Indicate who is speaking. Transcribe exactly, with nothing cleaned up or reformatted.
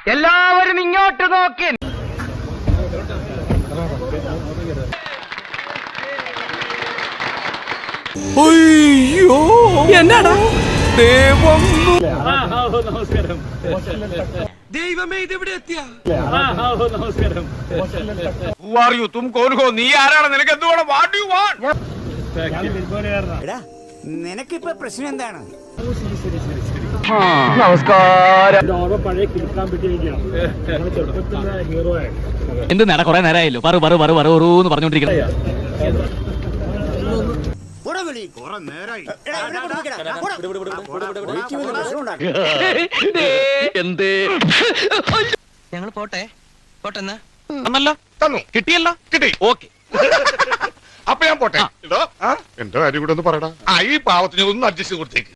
Speaker 1: എല്ലാവരും ഇങ്ങോട്ട് നോക്കി.
Speaker 2: അയ്യോ എന്നാടാ ദൈവം
Speaker 3: നമസ്കാരം.
Speaker 2: ദൈവമേ ഇതെവിടെ എത്തിയ
Speaker 3: നമസ്കാരം.
Speaker 2: നീ ആരാണ്? നിനക്ക് എന്തുവേണം? What you want?
Speaker 4: നിനക്കിപ്പോ പ്രശ്നം എന്താണ്?
Speaker 1: നമസ്കാരം.
Speaker 3: പഴയ കിടക്കാൻ പറ്റിയിരിക്കുകയാണ്. ചെറുപ്പത്തിന്റെ ഹീറോ ആയി.
Speaker 5: എന്ത് നേടാ കൊറേ നേരമായല്ലോ പറു പറു പറു പറൂന്ന് പറഞ്ഞോണ്ടിരിക്കണം.
Speaker 1: എന്തേ
Speaker 5: ഞങ്ങൾ പോട്ടെ പോട്ടെന്നാ
Speaker 2: തന്നല്ലോ തന്നു കിട്ടിയല്ലോ കിട്ടി ഓക്കെ. അപ്പൊ ഞാൻ പോട്ടെ. എന്തോ എന്റെ കാര്യം കൂടെ ഒന്ന് പറയടാ. ആ ഈ പാവത്തിന് ഒന്ന് അഡ്ജസ്റ്റ് കൊടുത്തേക്ക്.